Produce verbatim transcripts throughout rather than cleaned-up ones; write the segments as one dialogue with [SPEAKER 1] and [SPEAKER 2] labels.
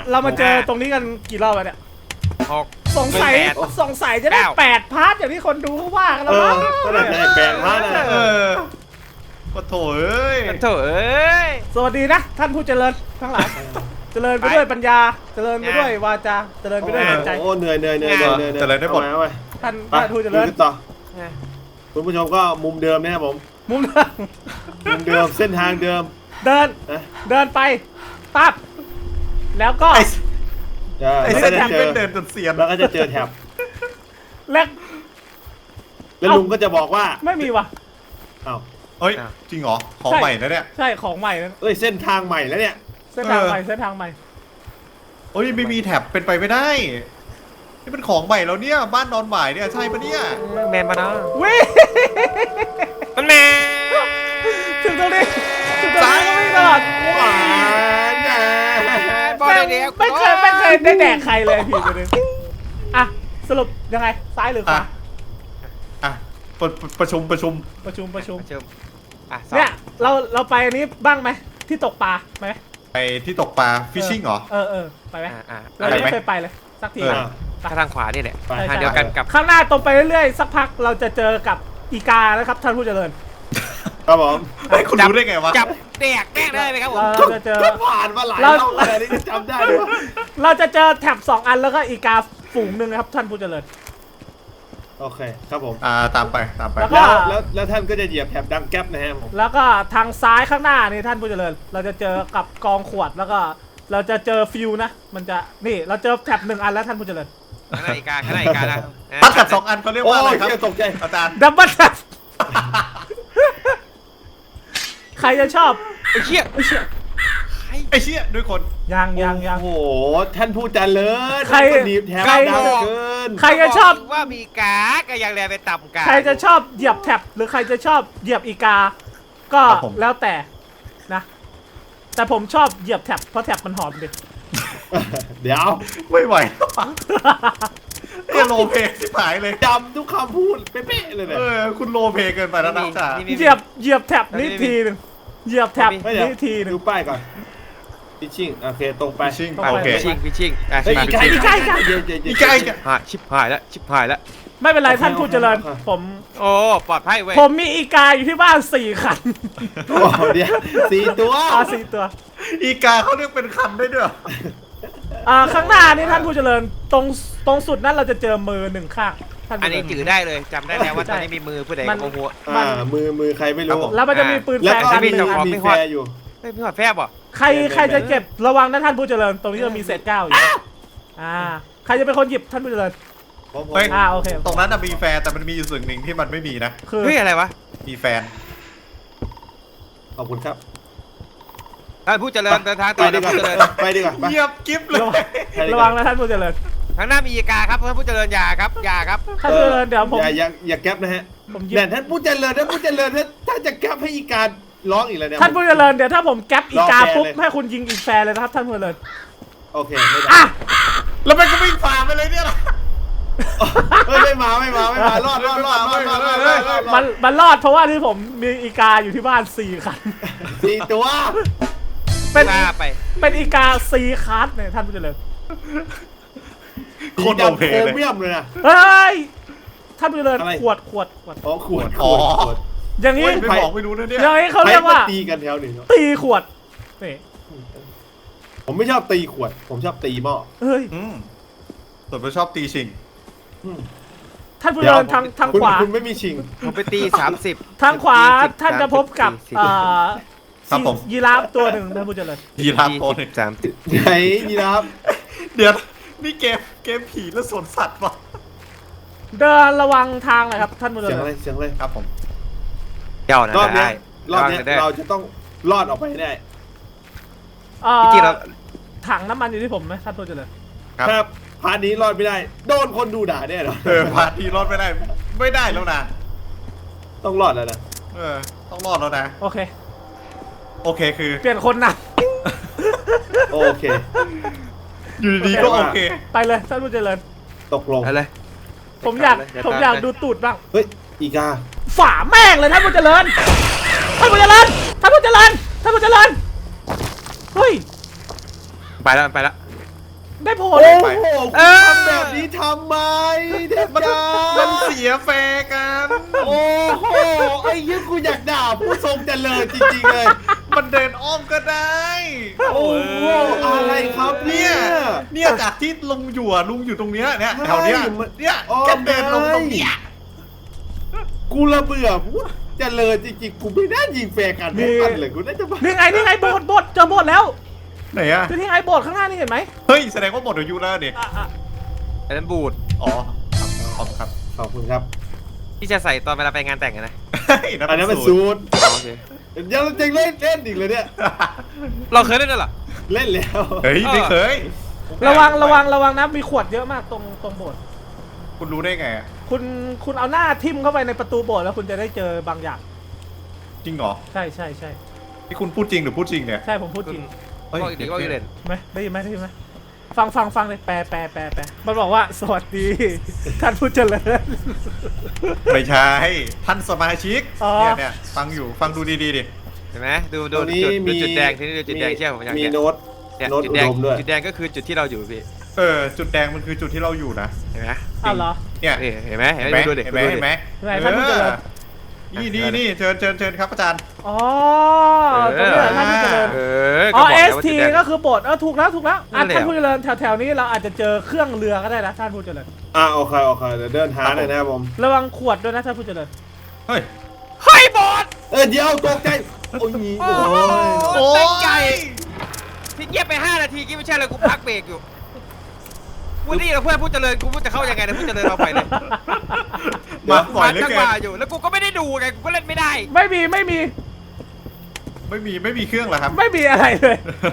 [SPEAKER 1] เรามาเจอตรงนี้กันกี่รอบแล้วเนี่ย
[SPEAKER 2] หก
[SPEAKER 1] สงสัยสงสัยจะได้แปดพาร์ทอย่างที่คนดูเขาว่ากันแล้วมั้ง
[SPEAKER 3] ก็ได้แปดพาร์ทนะ
[SPEAKER 4] เออปะโถเอ้ย
[SPEAKER 2] โถ่เอ้ย
[SPEAKER 1] สวัสดีนะท่านผู้เจริญทั้งหลายเจริญไปด้วยปัญญาเจริญไปด้วยวาจาเจริญไปด้วยจิตใจ
[SPEAKER 3] โอ้เหนื่อยเหนื่อยเหนื่อยเหนื่อยเหนื่อย
[SPEAKER 4] เจริญได้หมด
[SPEAKER 3] เอาไป
[SPEAKER 1] ท่าน
[SPEAKER 3] ไป
[SPEAKER 1] ท่านผู้เจริญ
[SPEAKER 3] ต่อคุณผู้ชมก็มุมเดิมนะครับผม
[SPEAKER 1] มุมเดิม
[SPEAKER 3] มุมเดิมเส้นทางเดิม
[SPEAKER 1] เดิน
[SPEAKER 3] นะ
[SPEAKER 1] เดินไปปั๊บแล้วก็
[SPEAKER 4] ไอ้
[SPEAKER 3] จะ
[SPEAKER 4] ไอ้
[SPEAKER 3] แล้ว
[SPEAKER 4] เส้
[SPEAKER 3] ก็
[SPEAKER 4] น
[SPEAKER 3] จะ
[SPEAKER 4] ทาง
[SPEAKER 3] เจ
[SPEAKER 4] เป็
[SPEAKER 3] อน
[SPEAKER 4] เดินจนเสียน
[SPEAKER 3] แล้วก็จะเจอแถบ
[SPEAKER 1] และ
[SPEAKER 3] แล้วลุงก็จะบอกว่า
[SPEAKER 1] ไม่มีว่ะ
[SPEAKER 3] อ้าว
[SPEAKER 4] เฮ้ยจริงเหรอของใหม่นะเนี่ย
[SPEAKER 1] ใช่ของใหม่นะ
[SPEAKER 3] เอ้ยเส้นทางใหม่แล้วเนี่ย
[SPEAKER 1] เส้นทาง
[SPEAKER 4] เออ
[SPEAKER 1] ใหม่เส้นทางใหม่
[SPEAKER 4] เฮ้ยไม่มีแท็บเป็นไปไม่ได้นี่เป็นของใหม่แล้วเนี่ยบ้านนอนหมายเนี่ยใช่ปะเนี่ย
[SPEAKER 2] แมนมานะ
[SPEAKER 1] วิ่ง
[SPEAKER 2] มันแมน
[SPEAKER 1] ถึงตรงนี้ถึงตรงนี้ก็วิ่งตลอด
[SPEAKER 3] หวานนะ
[SPEAKER 2] บอลเดียว
[SPEAKER 1] ไม่เคยไม่เคยได้แดกใครเลยพี่ตัวนึงอ่ะสรุปยังไงซ้ายหรือข
[SPEAKER 4] อ่ะ
[SPEAKER 1] วา
[SPEAKER 4] อ่ะประประชุมประชุม
[SPEAKER 1] ประชุมประชุม
[SPEAKER 2] ประชุมอ่ะ
[SPEAKER 1] เนี่ยเราเราไปอันนี้บ้างไหมที่ตกปลาไปไหม
[SPEAKER 4] ไปที่ตกปลาฟิชชิ่งเหรอ
[SPEAKER 1] เออเออไปไหม
[SPEAKER 2] อ่ะอ่ะ
[SPEAKER 1] เรายังไม่เคยไปเลยสักที
[SPEAKER 4] เออ
[SPEAKER 3] อ่ะ
[SPEAKER 2] ทางขวานี่แหละ
[SPEAKER 3] ไป
[SPEAKER 2] ทางเดียวกันกับ
[SPEAKER 1] ข้างหน้าตรงไปเรื่อยๆสักพักเราจะเจอกับอีกานะครับท่านผู้เจริญ
[SPEAKER 3] ครับผม
[SPEAKER 4] เฮ้ยคุณรู้ได้ไงวะ
[SPEAKER 2] จับแดกแดกได้ไหมครับผม
[SPEAKER 1] เราจะเจอ
[SPEAKER 3] ก็ผ่านมาหลายร
[SPEAKER 1] เรา
[SPEAKER 3] อบเลยนี่จำได้เลย
[SPEAKER 1] เราจะเจอแถบสองอันแล้วก็อีกาฝูงหนึ่งนะครับท่านผู้เจริญ
[SPEAKER 3] โอเคครับผม
[SPEAKER 4] อ่าตามไปตามไป
[SPEAKER 1] แล้วก็
[SPEAKER 3] แล้วแล้วแล้วท่านก็จะเหยียบแถบดังแก๊ปนะฮะผม
[SPEAKER 1] แล้วก็ทางซ้ายข้างหน้านี่ท่านผู้เจริญ เราจะเจอกับกองขวดแล้วก็เราจะเจอฟิวนะ มันจะนี่เราเจอแถบหนึ่งอันแล้วท่านผู้เจริญ
[SPEAKER 2] ข้างในอีกาข้างในอีกานะ
[SPEAKER 4] พัดกับสองอันเขาเรียก
[SPEAKER 3] โอ้
[SPEAKER 4] ว่าอะไร
[SPEAKER 3] ย
[SPEAKER 4] ครับ
[SPEAKER 3] เชี่ยตกใจ
[SPEAKER 4] อาจารย์
[SPEAKER 1] ดับเบิลแถบใครจะชอบ
[SPEAKER 2] ไอ้เหี้ย
[SPEAKER 1] ไอ้เชี่ย
[SPEAKER 4] ไอ้เชี่ยด้วยคน
[SPEAKER 1] ยังยังยัง
[SPEAKER 3] โอ้โหท่านผู้เจริญ
[SPEAKER 1] ใคร
[SPEAKER 3] ท่านก็หนีบแถบ
[SPEAKER 1] ใคร
[SPEAKER 3] ดังเหลือเกิน
[SPEAKER 1] ใครจะชอบ
[SPEAKER 2] ว่ามีกาก็ยังแลไปต่ำกา
[SPEAKER 1] ใครจะชอบเหยียบแท็บหรือใครจะชอบเหยียบอีกา ก็แล้วแต่นะ แต่ผมชอบเหยียบแท็บเพราะแท็บมันหอมดิ
[SPEAKER 3] เดี๋ยว
[SPEAKER 4] ไม่ไหวแล้วอะเอโลเพสิหายเลย
[SPEAKER 3] จำทุกคำพูดเป๊ะๆเลยเนี่ย
[SPEAKER 4] เออคุณโลเพเกินไปแล้วนะจ๊ะ
[SPEAKER 1] เหยียบเหยียบแท็บนี่ทีหนึ่งเหยียบแท็บ
[SPEAKER 3] ไม่เดี๋ยว
[SPEAKER 1] นี่ทีหนึ่ง
[SPEAKER 3] ดูป้ายก่อนพิชชิ่งโอเคตรงไป
[SPEAKER 4] ฟิชชิ่ง
[SPEAKER 1] ต้องไป
[SPEAKER 4] โอเค
[SPEAKER 2] พิชิงพิชิงอ่ะ
[SPEAKER 3] เฮ้ย
[SPEAKER 2] มา
[SPEAKER 3] อี
[SPEAKER 2] พิ
[SPEAKER 3] กา
[SPEAKER 2] ชิง
[SPEAKER 3] อีกาอีกาเดี๋ยวเดี๋ยว
[SPEAKER 4] อี
[SPEAKER 3] เดี๋ยว
[SPEAKER 4] กาอีกา
[SPEAKER 2] หายชิบหายแล้วชิบหายแล้ว
[SPEAKER 1] ไม่เป็นไรท่านผู้เจริญ ผม
[SPEAKER 2] โอ้ปลอดภัยเว้ย
[SPEAKER 1] ผมมีอีกาอยู่ที่บ้านสี่คัน
[SPEAKER 3] โอ้เดี๋ยวสี่ตัว
[SPEAKER 1] อาสี่ตัว
[SPEAKER 4] อีกาเขาเรียกเป็นคันได้ด้วยเหรอ
[SPEAKER 1] อ่าข้างหน้านี่ท่านผู้เจริญตรงตรงสุดนั้นเราจะเจอมือหนึ่งข้างท่าน
[SPEAKER 2] อัน
[SPEAKER 1] ผู้เจ
[SPEAKER 2] นี้
[SPEAKER 1] ริญ
[SPEAKER 2] จือได้เลยจำได้แล้วว่าตอนนี้มีมือผู้ใด
[SPEAKER 1] มัน
[SPEAKER 2] โอ้โห
[SPEAKER 3] อ่ามือมือใครไม่รู้
[SPEAKER 1] แล้วมันจะมีปืน
[SPEAKER 3] แล้ว
[SPEAKER 1] แฟร์
[SPEAKER 3] ก็
[SPEAKER 1] กัน
[SPEAKER 3] มี
[SPEAKER 1] หนึ่งอัน
[SPEAKER 3] มีแฟร์อยู่
[SPEAKER 2] เฮ้ยพี่หอดแฟบเหรอ
[SPEAKER 1] ใครใครจะเก็บระวังนะท่านผู้เจริญ ตรงนี้จะมีเศษเก้าอยู่อ่าใครจะเป็นคนหยิบท่านผู้เจริญ
[SPEAKER 3] ผมผม
[SPEAKER 4] เฮ้ย
[SPEAKER 1] อ่าโอเค
[SPEAKER 4] ตรงนั้นน่ะมีแฟนแต่มันมีอยู่สิ่งหนึ่งที่มันไม่มีนะ
[SPEAKER 1] คือ
[SPEAKER 2] เฮ้ยอะไรวะ
[SPEAKER 4] มีแฟน
[SPEAKER 3] ขอบคุณครับ
[SPEAKER 2] ท่านผู้เจริญเดินทาง
[SPEAKER 3] ไป
[SPEAKER 2] ต่อ
[SPEAKER 3] ดี
[SPEAKER 2] ท่าน
[SPEAKER 3] กว่า
[SPEAKER 2] ผู้เจริญ
[SPEAKER 3] ไปดีกว่าไป
[SPEAKER 4] เยียบกิ๊บเลย
[SPEAKER 3] ไปดีก
[SPEAKER 1] ระ
[SPEAKER 3] ว่า
[SPEAKER 1] วังนะท่านผู้เจริญ
[SPEAKER 2] ข้างหน้ามีอีกาครับท่านผู้เจริญอย่าครับอย่าครับ
[SPEAKER 1] ท่านผู้เจริญเดี๋ยวผม
[SPEAKER 3] อย่าอย่าอย่าแก๊ปนะฮะ
[SPEAKER 1] ผมหยิบ
[SPEAKER 3] เนี่ยท่านผู้เจริญท่านผู้เจริญถ้าถ้าจะแก๊ปให้อีการร้องอีกแล้วเนี่ย
[SPEAKER 1] ท่านผู้เจริญเดี๋ยวถ้าผมแก๊ปอีกา
[SPEAKER 3] ลองแฟร์
[SPEAKER 1] ปุ๊บ
[SPEAKER 3] เลย
[SPEAKER 1] ให้คุณยิงอีกแฟร์เลยนะครับท่านผู้เจริญ
[SPEAKER 3] โอเคไม่ได้
[SPEAKER 1] อ่ะ
[SPEAKER 4] แล้วมันก็วิ่งฝ่าไปเลยเนี่ยล่ะ
[SPEAKER 3] เฮ้ยไม่มาไม่มาไม่มารอดรอดรอดรอดรอดรอดรอดรอด
[SPEAKER 1] มันมันรอดเพราะว่าที่ผมมีอีกาอยู่ที่บ้านสี่คัน
[SPEAKER 3] สี่ตัว
[SPEAKER 1] เป็น
[SPEAKER 2] ว่าไป
[SPEAKER 1] เป็นอีกาสี่คัสเนี่ยท่านผู้เจริญ
[SPEAKER 4] โคตรโอเค
[SPEAKER 3] โค
[SPEAKER 4] เลย
[SPEAKER 3] เมียมเลยนะ
[SPEAKER 1] เฮ้ยท่านผู้เจริญ
[SPEAKER 3] อะไร
[SPEAKER 1] ขวดขวดขวด
[SPEAKER 3] อ๋อขวดข
[SPEAKER 4] อ๋อ
[SPEAKER 3] วดขวด
[SPEAKER 1] อย่างนี้
[SPEAKER 4] โอ้ยไม่บอกไม่รู้นะเนี่ย
[SPEAKER 1] อย่างนี้เขา
[SPEAKER 3] ใคร
[SPEAKER 1] เรียก
[SPEAKER 3] มา
[SPEAKER 1] ว่า
[SPEAKER 3] ตีกันแถวหนึ่งเนอะ
[SPEAKER 1] ตีขวดนี่
[SPEAKER 3] ผมไม่ชอบตีขวด ผมชอบตีหม้อ
[SPEAKER 1] เฮ้ย
[SPEAKER 4] อืมส่วนผมชอบตีชิง
[SPEAKER 3] อืม
[SPEAKER 1] ท่านผู้เจริญทางทาง
[SPEAKER 3] คุณ
[SPEAKER 1] ขวา
[SPEAKER 3] คุณไม่มีชิง
[SPEAKER 2] ผมไปตีสามสิบ
[SPEAKER 1] ทางขวาท่านจะพบกับ
[SPEAKER 2] สี่สิบ
[SPEAKER 1] อ่า
[SPEAKER 4] ครับผม
[SPEAKER 1] ยีราฟตัวหนึ่งท่านผู้เจริญ
[SPEAKER 4] ยีราฟโตหนึ่ง
[SPEAKER 2] สามสิบ
[SPEAKER 3] ไหนนี่นะครับ
[SPEAKER 4] เดี๋ยวนี่เกมเกมผีและสวนสัตว์วะ
[SPEAKER 1] เดินระวังทางหน่อยครับท่านผู้เจ
[SPEAKER 3] เสียง
[SPEAKER 1] ริ
[SPEAKER 3] อะไร
[SPEAKER 1] ญ
[SPEAKER 3] เสียงอะไร
[SPEAKER 4] ครับผม
[SPEAKER 2] เจ้านะ
[SPEAKER 3] รอบเนี้
[SPEAKER 2] ได้
[SPEAKER 3] ยรอบเนี้ย
[SPEAKER 2] ได้
[SPEAKER 3] เราจะต้องรอดออกไปให้ได้
[SPEAKER 1] เอ่อ
[SPEAKER 2] จริงๆแล้ว
[SPEAKER 1] ถังน้ำมันอยู่ที่ผมไหมท่านผู้เจริญ
[SPEAKER 4] ครับ
[SPEAKER 3] ถ้าพาร์ทนี้รอดไม่ได้ โดนคนดูด่าแน่นอน
[SPEAKER 4] เออพาทีรอดไม่ได้ ไม่ได้แล้วนะ
[SPEAKER 3] ต้องรอดแล้วนะ
[SPEAKER 4] เออต้องรอดแล้วนะ
[SPEAKER 1] โอเค
[SPEAKER 4] โอเคคือ
[SPEAKER 1] เปลี่ยนคนนะ
[SPEAKER 3] โอเค
[SPEAKER 4] อยู่ดีๆก็โอเค
[SPEAKER 1] ไปเลยท่านผู้เจริญ
[SPEAKER 3] ตกลง
[SPEAKER 2] อะไร
[SPEAKER 1] ผมอยาก
[SPEAKER 2] เดี๋ยว
[SPEAKER 1] ผม
[SPEAKER 2] ตาม
[SPEAKER 1] อยาก
[SPEAKER 2] เลย
[SPEAKER 1] ดูตูดบ้าง
[SPEAKER 3] เฮ้ย อีกา
[SPEAKER 1] ฝาแม่งเลยท่านผู้เจริญท่านผู้เจริญท่านผู้เจริญท่านผู้เจริญเฮ้ย
[SPEAKER 2] ไปแล้วไปแล้ว
[SPEAKER 1] ได้ผล
[SPEAKER 3] โอ้โหคุณทำแบบนี้ทำไมเทพ
[SPEAKER 4] มัน
[SPEAKER 3] จ้า
[SPEAKER 4] มันเสียแฟร์กัน
[SPEAKER 3] โอ้โหไอ้ยี่กูอยากด่าผู้ทรงเจริญจริงๆเลย
[SPEAKER 4] มันเดินอ้อมก็ได้
[SPEAKER 3] โอ้โหอะไรครับเนี่
[SPEAKER 4] เนี่ย ยเนี่ยจากที่ลุงอยู่อะลุงอยู่ตรงเนี้ยเนี่ยแถวเนี้ย
[SPEAKER 3] ใช่มัน
[SPEAKER 4] เนี่ย
[SPEAKER 3] อ้อม
[SPEAKER 4] แค่เดินลงตรงเนี้ย
[SPEAKER 3] กูระเบื่อผู้เจริญจริงๆกูไม่น่ายิงแฟร์กันไม่ทันเลยกูน่าจะบ้า
[SPEAKER 1] นี่ไงนี่ไงโบสถ์โบสถ์เจอโบสถ์แล้ว
[SPEAKER 4] ไหนอะ
[SPEAKER 1] คือที่ไงโบสถ์ข้างหน้านี่เห็นไหม
[SPEAKER 4] เฮ้ยแสดงว่าหมดอายุแล้วเนี่ย
[SPEAKER 1] อ่ะอ่ะ
[SPEAKER 2] อันนั้นบูด
[SPEAKER 4] อ๋อครับขอบคุณครับ
[SPEAKER 3] ขอบคุณครับ
[SPEAKER 2] ที่จะใส่ตอนเวลาไปงานแต่งกันนะ
[SPEAKER 4] เฮ้ย
[SPEAKER 3] อันนั้นเป็น
[SPEAKER 4] สู
[SPEAKER 3] ซู
[SPEAKER 4] ตร
[SPEAKER 3] ด
[SPEAKER 2] อ๋อโอเค
[SPEAKER 3] ยังจะเล่นเล่นอีกเลยเนี่ย
[SPEAKER 2] เราเคยเล่นด้วยเหรอ
[SPEAKER 3] เล่นแล้ว
[SPEAKER 4] เฮ้ยไม่เคย
[SPEAKER 1] ระวังระวังระวังนะมีขวดเยอะมากตรงตรงโบสถ์
[SPEAKER 4] คุณรู้ได้ไงอะ
[SPEAKER 1] คุณคุณเอาหน้าทิ่มเข้าไปในประตูโบสถ์แล้วคุณจะได้เจอบางอย่าง
[SPEAKER 4] จริงเหรอ
[SPEAKER 1] ใช่ใช่ใช่
[SPEAKER 4] ที่คุณพูดจริงหรือพูดจริงเนี่ย
[SPEAKER 1] ใช่ผมพูดจริง
[SPEAKER 4] เฮ้ย
[SPEAKER 2] บอกอีกทีว่าอยู่เล่น
[SPEAKER 1] ไหมได้ยินไหมได้ยินไหมฟังฟังฟังเลยแปลแปลแปลแปลมันบอกว่าสวัสดี ท่านผู้เจริญ
[SPEAKER 4] ไม่ใช่ท่านสมาชิก
[SPEAKER 1] อ๋อ
[SPEAKER 4] เนี่ยเนี่ยฟังอยู่ฟังดูดีๆดิ
[SPEAKER 2] เห็นไหมดู
[SPEAKER 3] ต
[SPEAKER 2] ดู
[SPEAKER 3] รงนี้
[SPEAKER 2] จุดดู
[SPEAKER 3] มี
[SPEAKER 2] จุดแดงที่นี่ดูจุดแดงเชื่อผมอย่าง
[SPEAKER 3] มี
[SPEAKER 2] เนี้ย
[SPEAKER 3] โน้ต
[SPEAKER 2] เนี่ย
[SPEAKER 3] โน้ต
[SPEAKER 2] จุด
[SPEAKER 3] อุ
[SPEAKER 2] แดง
[SPEAKER 3] ดมด้วย
[SPEAKER 2] จุดแดงก็คือจุดที่เราอยู่พี่
[SPEAKER 4] เออจุดแดงมันคือจุดที่เราอยู่นะ
[SPEAKER 2] เห็นไหม
[SPEAKER 1] อ้าวเหรอ
[SPEAKER 4] เนี่ย
[SPEAKER 2] นี่เห็นไหมเห็น
[SPEAKER 4] เห็น
[SPEAKER 2] ไห
[SPEAKER 4] ไห
[SPEAKER 2] ม
[SPEAKER 4] ม
[SPEAKER 2] ดูเด็ก
[SPEAKER 4] เห็นไหม
[SPEAKER 2] ดู
[SPEAKER 4] เห็นไหม
[SPEAKER 1] ไหนท่านผู้เจริญ
[SPEAKER 4] เออนี่นี่นี่เชิญเชิญเชิญครับอาจารย์
[SPEAKER 1] อ๋อตรงนี้เหรอท่านผู้เจริญ
[SPEAKER 2] เออ
[SPEAKER 1] อ๋
[SPEAKER 2] ก็
[SPEAKER 1] อ
[SPEAKER 2] บอก
[SPEAKER 1] เอ
[SPEAKER 2] แล้ว
[SPEAKER 1] ส
[SPEAKER 2] ว่า
[SPEAKER 1] ที
[SPEAKER 2] จุดแดง
[SPEAKER 1] ก็คือโบสถ์เออถูกแล้วถูกแล้ว
[SPEAKER 2] นั่
[SPEAKER 1] อ่ะ
[SPEAKER 2] นแหละ
[SPEAKER 1] ท่านผู้เจริญแถวๆนี้เราอาจจะเจอเครื่องเรือก็ได้นะท่านผู้เจริญ
[SPEAKER 3] อ่าโอเคโอเคเดี๋ยวเดินหาหน่อยนะครับผม
[SPEAKER 1] ระวังขวดด้วยนะท่านผู้เจริญ
[SPEAKER 4] เฮ้ย
[SPEAKER 2] เฮ้ยบอส
[SPEAKER 3] เออเดี๋ยวตกใจโอ้ย
[SPEAKER 2] โอ้
[SPEAKER 3] โอ้
[SPEAKER 2] โห
[SPEAKER 3] ย
[SPEAKER 4] โอ้
[SPEAKER 2] ตั้งใจ
[SPEAKER 4] ย
[SPEAKER 2] พี่เงียบไปห้านาทีกี้ไม่ใช่เลยกูพักเบรกอยู่พูดนี่เราเพื่อนพูดเจริญกูพูดจะเข้ายังไงนะพูดเจริญเราไปเลย
[SPEAKER 4] มาบ่อยเหลือ
[SPEAKER 2] จัง
[SPEAKER 4] เกิ
[SPEAKER 2] ห
[SPEAKER 4] น
[SPEAKER 2] วะอยู่แล้วกูก็ไม่ได้ดูไงกูก็เล่นไม่ได้
[SPEAKER 1] ไม่มีไม่มี
[SPEAKER 4] ไม่มีไม่มีเครื่องเหรอครับ
[SPEAKER 1] ไม่มีอะไรเลย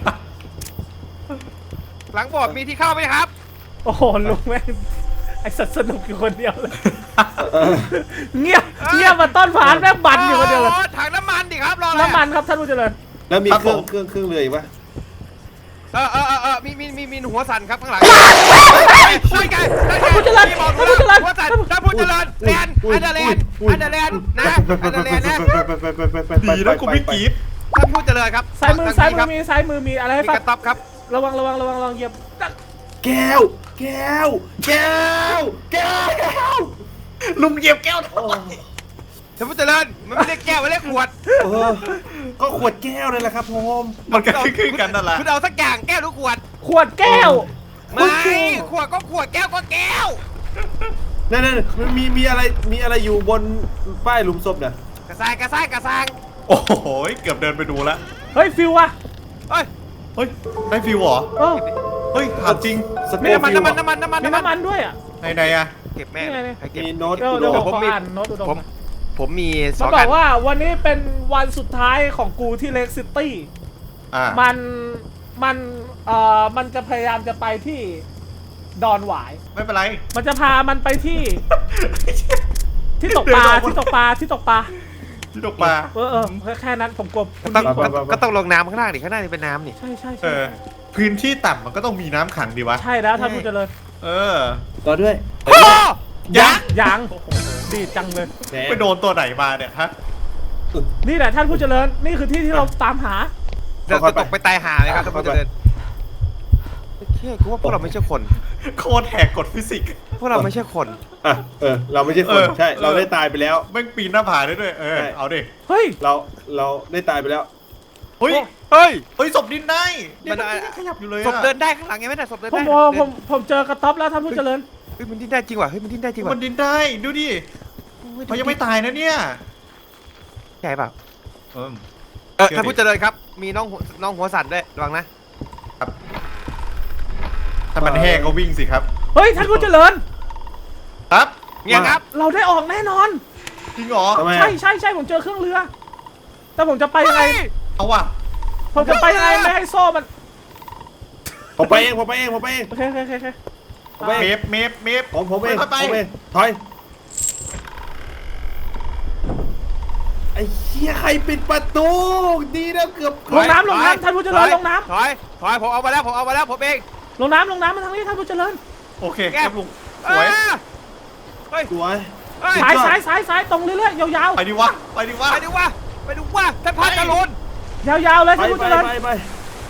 [SPEAKER 2] หลังบอร์ดมีที่เข้าไหมครับ
[SPEAKER 1] โอ้โหลุงแม่งไอสัตว์สนุกอยู่คนเดียวเลย เงียบเงียบมาต้นผานแม่งบันอยู่คนเดียวเลย
[SPEAKER 2] โถังน้ำมันดิครับรออะไร
[SPEAKER 1] น้ำมันครับท่านผู้เจริญ
[SPEAKER 3] แล้วมี
[SPEAKER 4] ครับ
[SPEAKER 3] เครื่อง
[SPEAKER 4] ผม
[SPEAKER 3] เครื่องเครื่องเรืออีกปะ
[SPEAKER 2] เออเออเออเออมีมีมีมีหัวสั่นครับข้างหลังช่วยกัน
[SPEAKER 1] ท่านผู้เจริญ
[SPEAKER 2] มีบอก
[SPEAKER 1] ท่านผู้เจริญ
[SPEAKER 2] หัวสั่นท่านผู้เจริญแลนด์อันเดอร์แลนด์อันเดอร์แลนด์นะอันเดอร์แลนด์นะ
[SPEAKER 3] ไปไปไปไปไป
[SPEAKER 4] ดีนะกูไม่กรีด
[SPEAKER 2] ท่านผู้เจริญครับ
[SPEAKER 1] ซ้ายมือซ้ายมื
[SPEAKER 2] ครั
[SPEAKER 1] อบ มีซ้ายมือมีอะไรให้
[SPEAKER 2] มี
[SPEAKER 1] ฟั
[SPEAKER 2] ก
[SPEAKER 1] ง
[SPEAKER 2] ระต๊อบครับ
[SPEAKER 1] ระวังระวังระวังระวังเหยียบ
[SPEAKER 3] แก้ว แก้ว แก้ว แก้ว
[SPEAKER 4] ลุงเหยียบแก้วทำ
[SPEAKER 3] โอ้
[SPEAKER 4] ไม
[SPEAKER 2] ท่านผู้เจริญมันไม่เรียกแก้วมันเรียกขวด
[SPEAKER 3] เออก็ขวดแก้วนั่นแหละครับผม
[SPEAKER 4] มันก็คือกันนั่นแหละ
[SPEAKER 2] คุณเอาสักอย่างแก้วหรือขวด
[SPEAKER 1] ขวดแก้ว
[SPEAKER 2] ไม่ขวดก็ขวดแก้วก็แก้ว
[SPEAKER 3] นั่นนั่นมันมีมีอะไรมีอะไรอยู่บนป้ายหลุมศพเนี่ย
[SPEAKER 2] กระซางกระซางกระซาง
[SPEAKER 4] โอ้โหเกือบเดินไปดูแล้ว
[SPEAKER 1] เฮ้ยฟิวอะ
[SPEAKER 2] เฮ้ย
[SPEAKER 4] เฮ้ยได้ฟิวเหรอ
[SPEAKER 1] เออ
[SPEAKER 4] เฮ้ยถามจริง
[SPEAKER 3] ส
[SPEAKER 2] มี
[SPEAKER 3] เต
[SPEAKER 2] น้ำมัน
[SPEAKER 3] ฟิล
[SPEAKER 2] น้ำมันน้ำมันน้ำมัน
[SPEAKER 1] มีน้ำมันด้วยอะ
[SPEAKER 4] ไหนไหนอะ
[SPEAKER 2] เก็บแม่
[SPEAKER 1] นี่ไงเนี่ย
[SPEAKER 2] ใครเก็บ
[SPEAKER 3] มีโน้ต
[SPEAKER 1] เดี๋ยว
[SPEAKER 3] อุด
[SPEAKER 1] เดี๋ยว
[SPEAKER 3] ม
[SPEAKER 1] ผม
[SPEAKER 2] ผม
[SPEAKER 1] ขอ
[SPEAKER 2] มี
[SPEAKER 1] อ่านโน้ตอุดม
[SPEAKER 2] ผม
[SPEAKER 1] หน่อย
[SPEAKER 2] ผมมีส
[SPEAKER 1] มั
[SPEAKER 2] อน ง
[SPEAKER 1] บ
[SPEAKER 2] อั
[SPEAKER 1] อน กว่าวันนี้เป็นวันสุดท้ายของกูที่เล็กซิตี้
[SPEAKER 4] อ่า
[SPEAKER 1] มันมันเอ่อมันจะพยายามจะไปที่ดอนหวาย
[SPEAKER 4] ไม่เป็นไร
[SPEAKER 1] มันจะพามันไปที่ ที่ตกปลา
[SPEAKER 4] เดินออกมา
[SPEAKER 1] ที่ตกปลาที่ตกปลา
[SPEAKER 4] ที่ตกปลา
[SPEAKER 1] เออเออแค่แค่นั้นผมกลัว
[SPEAKER 2] ก็ต้องก็ก็ต้องลงน้ำข้างล่างดิข้างหน้านี่เป็นน้ำนี่
[SPEAKER 1] ใช่ใช่
[SPEAKER 4] เอ
[SPEAKER 1] ใช่
[SPEAKER 4] อพื้นที่ต่ำมันก็ต้องมีน้ำขังดีวะ
[SPEAKER 1] ใช่แล้วท่านผู้เจริญ
[SPEAKER 4] เออ
[SPEAKER 3] ต่อด้วย
[SPEAKER 4] ยักษ์
[SPEAKER 1] ยังดีจังเลย
[SPEAKER 3] แหม
[SPEAKER 4] ไปโดนตัวไหนมาเนี่ยฮะ
[SPEAKER 1] นี่แหละท่านผู้เจริญนี่คือที่ที่เราตามหา
[SPEAKER 2] เราจะตกไปตายหาเลยครับท่านผู้เจริญโอเคกูว่าพวกเราไม่ใช่คน
[SPEAKER 4] โคตรแหกกฎฟิสิกส์
[SPEAKER 2] พวกเราไม่ใช่คน
[SPEAKER 3] อ่ะเออเราไม่ใช่คน
[SPEAKER 4] เออ
[SPEAKER 3] ใช่เรา
[SPEAKER 4] เออ
[SPEAKER 3] ได้ตายไปแล้ว
[SPEAKER 4] แม่งปีนหน้าผาได้ด้วยเออ
[SPEAKER 3] ใช่
[SPEAKER 4] เอาดิ
[SPEAKER 1] เฮ้ย
[SPEAKER 3] เราเราได้ตายไปแล้ว
[SPEAKER 4] เฮ้ย
[SPEAKER 2] เฮ้ย
[SPEAKER 4] เฮ้ยศพดินได้เนี่ย
[SPEAKER 2] มัน
[SPEAKER 4] มันยังขยับอยู่เลย
[SPEAKER 2] ศ
[SPEAKER 4] อะ
[SPEAKER 2] พเดินได้ข้างหลังไงไม่ได้ศพเดิน
[SPEAKER 1] ผม
[SPEAKER 2] ได้
[SPEAKER 1] ผมผมผมเจอกระต๊อบแล้วท่านผู้เจริญ
[SPEAKER 2] เฮ้ยมันดิ้นได้จริงว่ะเฮ้ยมันดิ้นได้จริงว่ะ
[SPEAKER 4] มันดินได้ดูดิเขายังไม่ตายนะเนี่ย
[SPEAKER 2] ใช่เปล่า
[SPEAKER 4] เออ
[SPEAKER 2] เออ
[SPEAKER 4] เชื่อดิ
[SPEAKER 2] ท่านผู้เจริญครับมีน้องหัวน้องหัวสั่นด้วยระวังนะ
[SPEAKER 4] ถ้ามันแห้งก็วิ่งสิครับ
[SPEAKER 1] เฮ้ยท่านผู้เจริญ
[SPEAKER 4] ครับ
[SPEAKER 2] เงี้ยครับ
[SPEAKER 1] เราได้ออกแน่นอน
[SPEAKER 4] จริงเหรอ
[SPEAKER 3] ทำไม
[SPEAKER 1] ใช่
[SPEAKER 3] อ่ะ
[SPEAKER 1] ใช่ใช่ผมเจอเครื่องเรือ แต่ผมจะไปยังไง
[SPEAKER 2] เฮ้ย
[SPEAKER 4] เอาว่ะ
[SPEAKER 1] ผมจะไปยังไงไม่ให้โซ่มัน
[SPEAKER 3] ผมไปเองผมไปเองผมไปเอง
[SPEAKER 1] โอเคโอเคโอเคโอเค
[SPEAKER 3] ผมไป
[SPEAKER 4] เม
[SPEAKER 3] เอง
[SPEAKER 4] ฟเมฟเมฟ
[SPEAKER 3] ผมผมเอง
[SPEAKER 4] ค่อยๆไป
[SPEAKER 3] ผมเองถอยไอ้เหี้ยใครปิดประตูดีนะเกือบ
[SPEAKER 1] ลงน้ำลงน้ำท่านผู้เจริญลงน้
[SPEAKER 2] ถอยถอยผมเอามาแล้วผมเอามาแล้วผมเอง
[SPEAKER 1] ำลงน้ำลงน้ำมาทางนี้ท่านผู้เจริญ
[SPEAKER 4] โอเค
[SPEAKER 2] แก้
[SPEAKER 4] ครับลุงสวย
[SPEAKER 2] อ่าเฮ้ย
[SPEAKER 3] สวย
[SPEAKER 2] เฮ้ย
[SPEAKER 1] ซ้ายซ้ายซ้ายซ้ายตรงเรื่อยๆยาว
[SPEAKER 4] ไปดิวะไปดิวะ
[SPEAKER 2] ไปดูว่าไปดูว่าท่านพันตะลุน
[SPEAKER 1] ๆยาวๆเลย
[SPEAKER 3] ไป
[SPEAKER 1] ท่านผู้
[SPEAKER 3] ไป
[SPEAKER 1] เจริญ
[SPEAKER 3] ไปไป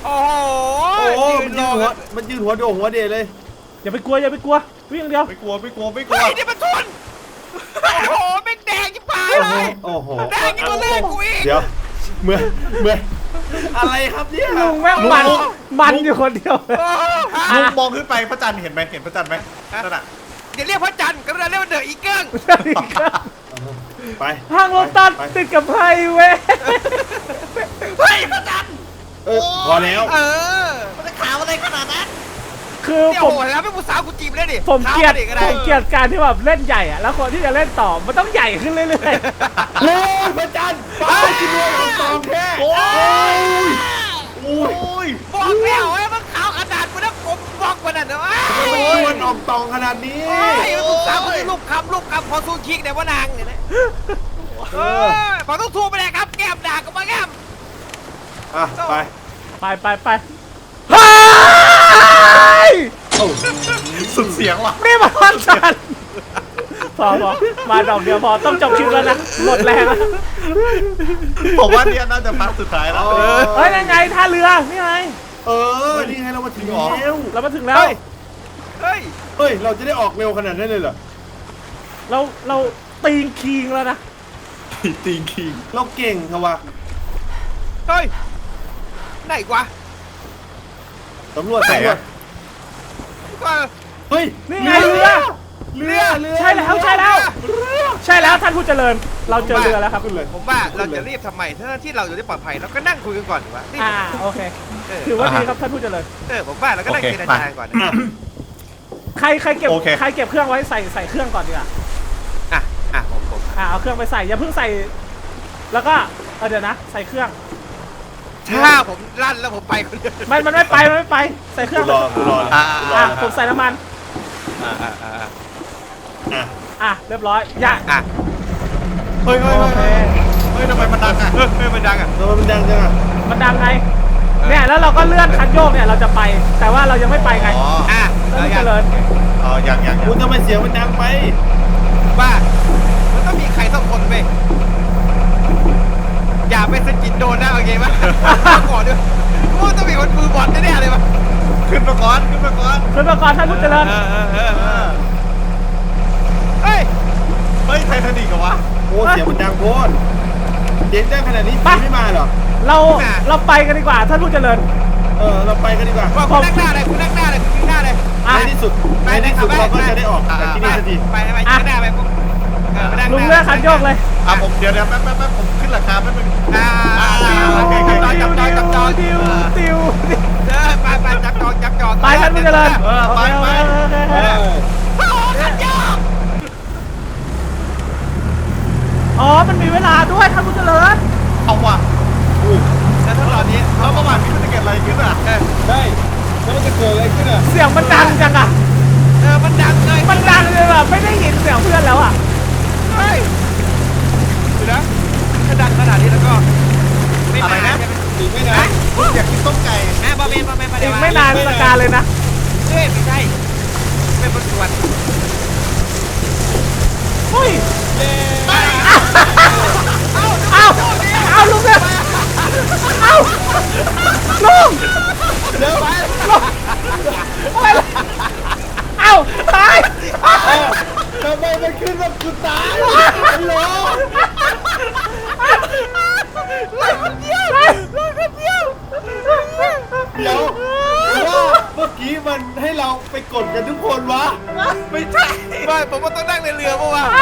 [SPEAKER 2] โอ้โห
[SPEAKER 3] โอ้โห
[SPEAKER 2] ยื
[SPEAKER 3] มัน
[SPEAKER 2] นร
[SPEAKER 3] ยื
[SPEAKER 2] อน
[SPEAKER 3] หัว
[SPEAKER 2] กัน
[SPEAKER 3] มันยืนหัวโด่งหัวเดเลย
[SPEAKER 1] อย่าไปกลัวอย่าไปกลัววิ่งอย่างเดียว
[SPEAKER 4] ไม่กลัวไม่กลัวไม่กลั
[SPEAKER 2] เฮ้
[SPEAKER 4] วย
[SPEAKER 2] นี่มันทุนโอ้โหแม่งแดงยิ่งพาย
[SPEAKER 3] โอ้
[SPEAKER 2] เล
[SPEAKER 3] โห
[SPEAKER 2] ย
[SPEAKER 3] โอ้โห
[SPEAKER 2] แดงยิ่งกว่าเลือดกูอีก
[SPEAKER 3] เดี๋ยวเหมือนเหมือนอะไรครับเนี่ย
[SPEAKER 1] ลุงแม่งมันมันอยู่คนเดียว
[SPEAKER 2] โอ้โห
[SPEAKER 4] ลุงมองขึ้นไปพระจันทร์เห็นไหมเห็นพระจันทร์ไหมนั่นน่ะ
[SPEAKER 2] อย่าเรียกพระจันทร์กรุณาเรียกว่าเดอะอีเกิ้ง
[SPEAKER 3] ไป
[SPEAKER 1] ทางลงตัด
[SPEAKER 3] ไป
[SPEAKER 1] ติดกับไพเว้ย
[SPEAKER 2] เฮ้ยพระจันทร์
[SPEAKER 3] เออพอแล้ว
[SPEAKER 2] เออมันจะขาวอะไรขนาดนั้น
[SPEAKER 1] คือ
[SPEAKER 2] เนี่ย
[SPEAKER 1] ผ
[SPEAKER 2] โอ้
[SPEAKER 1] ม
[SPEAKER 2] โหแล้วไม่ผู้สาวกูจีบเลยดิ
[SPEAKER 1] ผมเกลียด
[SPEAKER 2] ท้าก็
[SPEAKER 1] ผ
[SPEAKER 2] ได้
[SPEAKER 1] มเกลียดการที่แบบเล่นใหญ่อะแล้วคนที่จะเล่นต่อมันต้องใหญ่ขึ้นเรื่อย
[SPEAKER 3] โอ้ยพระจันทร์ป้ากินด้วยของตองแค่
[SPEAKER 4] โอ้ย
[SPEAKER 3] โอ้ย
[SPEAKER 4] โอ้ย
[SPEAKER 2] บอกแล้วไอ้มันขาวขนาดกูนะผมบอกกว่านั้นนะวะ
[SPEAKER 3] มันชวนออกตองขนาดนี้
[SPEAKER 2] โอ้ยผู้สาวคนนี้ลูกคำลูกคำพอสู้คิกเนี่ยว่านางเนี่ยนะ
[SPEAKER 3] เอ
[SPEAKER 2] เอ
[SPEAKER 3] อ
[SPEAKER 2] อพอต้องทูไปเลยครับแก้มด่าก็มาแก้ม
[SPEAKER 3] อ่ะไป
[SPEAKER 1] ๆ ไปไปไปเฮ้ย
[SPEAKER 3] โอ้
[SPEAKER 4] สุดเสียงว่ะ
[SPEAKER 1] นี่มันวันจันทร์พอพอมาดอกเดียวพอต้องจบคลิปแล้วนะหมดแรงแล้ว
[SPEAKER 4] ผมว่าเนี่ยน่าจะพักสุดท้ายแล้ว
[SPEAKER 1] เฮ้ยยังไงท่าเรือนี่ไง
[SPEAKER 3] เออนี่ไงเรามาถึง
[SPEAKER 4] จริงเหรอ
[SPEAKER 3] แล้ว
[SPEAKER 1] เรามาถึงแล้ว
[SPEAKER 2] เฮ้ยเฮ้ย
[SPEAKER 3] เฮ้ยเราจะได้ออกเร็วขนาดนั้นเลยเหรอ
[SPEAKER 1] เราเราตีนคิงแล้วนะ
[SPEAKER 4] ตีนคิง
[SPEAKER 3] เราเก่งครับวะ
[SPEAKER 2] เฮ้ยไหนวะ
[SPEAKER 3] ตำรวจตำรวจ
[SPEAKER 2] ก็
[SPEAKER 3] เฮ้ย
[SPEAKER 1] นี่ไงเรือ
[SPEAKER 3] เรือเรือ
[SPEAKER 1] ใช่แล้วใช่แล้ว ใช่แล้วท่านผู้เจริญ เราเจอเรือแล้วครับ
[SPEAKER 3] ขึ้นเลย
[SPEAKER 2] ผมว่าเราจะรีบทำไมถ้าที่เราอยู่ได้ปลอดภัยเราก็นั่งคุยกันก่อนดีกว่านี่
[SPEAKER 1] อ่าโอเค
[SPEAKER 2] เออ
[SPEAKER 1] ถือว่าดีครับท่านผู้เจริญ
[SPEAKER 2] เออผมว่าเราก็นั่งเจรจาก่อนนะ
[SPEAKER 3] อ่ะ
[SPEAKER 1] ใครใครเก็บ
[SPEAKER 4] โอเค
[SPEAKER 1] ใครเก็บเครื่องไว้ใส่ใส่เครื่องก่อนดีกว่า
[SPEAKER 2] อ่ะอ่ะผมผม
[SPEAKER 1] อ่าเอาเครื่องไปใส่อย่าเพิ่งใส่ แล้วก็เออเดี๋ยวนะ ใส่เครื่อง
[SPEAKER 2] ถ้าผมลั่นแล้วผมไปคนเดียว
[SPEAKER 1] มันมันไม่ไปมันไม่ไป ใส่เครื่
[SPEAKER 3] กู
[SPEAKER 1] อง
[SPEAKER 3] รอกูรอ
[SPEAKER 4] อ่า
[SPEAKER 3] กูรอ
[SPEAKER 1] อ่ะ
[SPEAKER 3] นะ
[SPEAKER 1] ผมใส่น้ำมัน
[SPEAKER 2] อ่ะอ่ะอ่ะอ่ะ
[SPEAKER 3] อ่ะ
[SPEAKER 1] อ่ะเรียบร้อยอย่า
[SPEAKER 2] อ่ะ
[SPEAKER 4] เฮ้ยเฮ้ย
[SPEAKER 1] โอ
[SPEAKER 4] เฮ้ย
[SPEAKER 1] เค
[SPEAKER 4] เฮ้ยทำไมมันดังอ่ะ
[SPEAKER 2] เฮ้ยเฮ้ยมันดังอ่ะ
[SPEAKER 3] ทำไมมันดังจังอ่ะ
[SPEAKER 1] มันดังไงเนี่ยแล้วเราก็เลื่อนคันโยกเนี่ยเราจะไป แต่ว่าเรายังไม่ไปไง
[SPEAKER 4] อ๋อ
[SPEAKER 2] อ่ะ
[SPEAKER 1] ท่าน
[SPEAKER 2] แล้ว
[SPEAKER 1] ผู้
[SPEAKER 2] ยั
[SPEAKER 1] เจ
[SPEAKER 2] ง
[SPEAKER 1] ริญ
[SPEAKER 4] อ๋อยังยังยั
[SPEAKER 3] คุ
[SPEAKER 4] ง
[SPEAKER 3] ณทำไมเสียงมันดังไป
[SPEAKER 2] ว่ามันต้องมีใครสักคนไปอย่าไปสะกิดโดนนะโอเคปะก่อนด้วยกูต้องมีคนมือบอลแน่ๆเลยปะ
[SPEAKER 4] ขึ้นมาก่อนขึ้นมาก่อน
[SPEAKER 1] เพื่อนก่อนท่านผู้เจริญ
[SPEAKER 2] เออเออเออเออเฮ้ย
[SPEAKER 4] เฮ้ยไททานิกเหรอวะ
[SPEAKER 3] โอ้เสียงมันดังโพนเสียงดังขนาดนี้
[SPEAKER 1] ไป
[SPEAKER 3] พี่ไม่มาเหรอ
[SPEAKER 1] เราเราไปกันดีกว่าท่านผู้เจริญ
[SPEAKER 3] เออเราไปกันดีกว่า
[SPEAKER 2] ว่าคุณนั่งหน้าเลยคุณนั่งหน้าเลยคุณยืนหน้าเลย
[SPEAKER 1] อ่ะ
[SPEAKER 3] ในที่สุดในที่สุดเราก็จะได้ออกจากที่นี่สักที
[SPEAKER 2] ไปไปยืนหน้าไปปุ๊บเออไปนั่งห
[SPEAKER 1] ลุง
[SPEAKER 2] น้า
[SPEAKER 1] เลื่อนคันโยกเลย
[SPEAKER 4] อ่ะผมเดี๋ยวเดี๋ยวแป๊บแป๊บแป๊บผมขึ้นราคาแป๊บนึง
[SPEAKER 2] อ่า
[SPEAKER 4] โอเคโอเค
[SPEAKER 2] จับจองจับจอง
[SPEAKER 1] ติวติว
[SPEAKER 2] เออไปไปจับจองจับจอง
[SPEAKER 1] ไปท่านผู้เจริญ
[SPEAKER 4] เออไปไป
[SPEAKER 1] โอเคโอเค
[SPEAKER 3] เอ
[SPEAKER 1] โอเค
[SPEAKER 3] อ
[SPEAKER 2] โอ้โหขันยอก
[SPEAKER 1] อ๋อมันมีเวลาด้วยท่านผู้เจริญ
[SPEAKER 4] เอาว่ะ
[SPEAKER 3] อุ้ย
[SPEAKER 2] แล้วถ้าตอนนี้
[SPEAKER 4] แล้วประมาณนี้มันจะเกิดอะไรขึ้นอ่ะ
[SPEAKER 2] เออ
[SPEAKER 3] ได้แล้วมันจะเกิดอะไรขึ้นอ่ะ
[SPEAKER 1] เสียงมันดังจังอะ
[SPEAKER 2] เออมันดังเลย
[SPEAKER 1] มันดังเลยแบบไม่ได้ยินเสียงเพื่อนแล้วอะ
[SPEAKER 2] เฮ้ยดูนะถ้าดังขนาดนี้แล้วก็ไม่
[SPEAKER 4] อะไร
[SPEAKER 2] มา
[SPEAKER 4] นะ
[SPEAKER 2] ใช่ไหม
[SPEAKER 3] อีกไม่นาน
[SPEAKER 4] คุณอยากกินต้มไก่
[SPEAKER 2] แม่บอเมนบอเมนมา
[SPEAKER 1] อี
[SPEAKER 2] เดี๋ยว
[SPEAKER 1] กไม่นานสกาเลยนะ
[SPEAKER 2] เฮ้ยไม่ใช่เป็นบนสวน
[SPEAKER 1] เฮ้ย
[SPEAKER 2] เอ้า
[SPEAKER 1] เอาเอาลุงเนี่ยเอาลุง
[SPEAKER 3] เดี๋ยวไป
[SPEAKER 1] อะไรล่ะเอาตาย
[SPEAKER 3] ทำไมมันขึ้นแบบกูตายฮัลโหลเดี๋ยวว่าเมื่อกี้มันให้เราไปกดกันทุกคนวะ
[SPEAKER 2] ไม่ใช่ไม่ผมว่าต้องนั่งในเรือเพราะว่า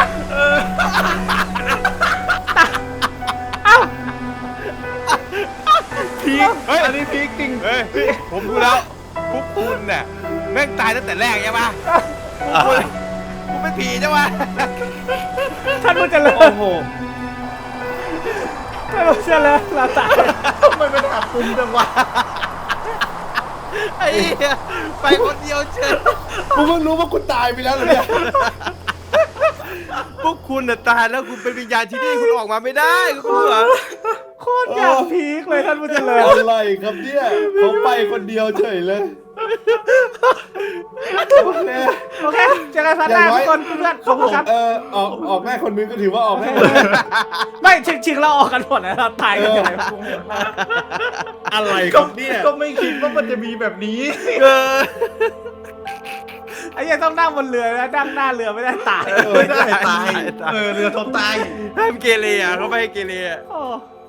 [SPEAKER 1] เอา
[SPEAKER 2] พีคเฮ้ยอันนี้พีคจริงเฮ้ยผมดูแล้วพวกคุณเนี่ยแม่งตายตั้งแต่แรกใช่ปะคุณคุณเป็นผีใช่ปะ
[SPEAKER 1] ท่านผู้เจริ
[SPEAKER 3] โอ้
[SPEAKER 1] ญ
[SPEAKER 3] โห
[SPEAKER 1] ท่านผู้เจริญเราตาย
[SPEAKER 4] ทำไมมันอับตุนจังวะ
[SPEAKER 2] ไอ้เหี้ยไปคนเดียวเชิญ
[SPEAKER 3] กูเพิ่งรู้ว่ากูตายไปแล้วเหรอเนี่ย
[SPEAKER 2] พวกคุณน่ะตายแล้วคุณเป็นวิญญาณที่นี่คุณออกมาไม่ได้คุณรู้เหรอ
[SPEAKER 1] โคตรอยากพีคเลยท่านผู้เจริญ
[SPEAKER 3] อะไรครับเนี่ยเขาไปคนเดียวเฉยเลย
[SPEAKER 1] เ
[SPEAKER 3] โอเค
[SPEAKER 1] โอเคเจอกันพันหน้าทุกคนเพื่อนขอบคุณครับ
[SPEAKER 3] เออออกออกได้คนนึงก็ถือว่าออกได้คนนึง
[SPEAKER 1] ไม่ชิงๆเราออกกันหมดแล้วเราตายกันอยู่ไหนกูงงมาก
[SPEAKER 3] อะไรค
[SPEAKER 4] ก็
[SPEAKER 3] รับเนี่ย
[SPEAKER 4] ก็ไม่คิดว่ามันจะมีแบบนี้
[SPEAKER 2] เออ
[SPEAKER 1] ไอ้ยังต้องนั่งบนเรือนะนั่งหน้าเรือไม่ได้ตาย
[SPEAKER 4] ไม่ได้ตาย เออเรือทนตาย
[SPEAKER 2] ห้ามเกเรอ่ะเขาไม่ให้เกเรอ่ะ
[SPEAKER 1] โอ้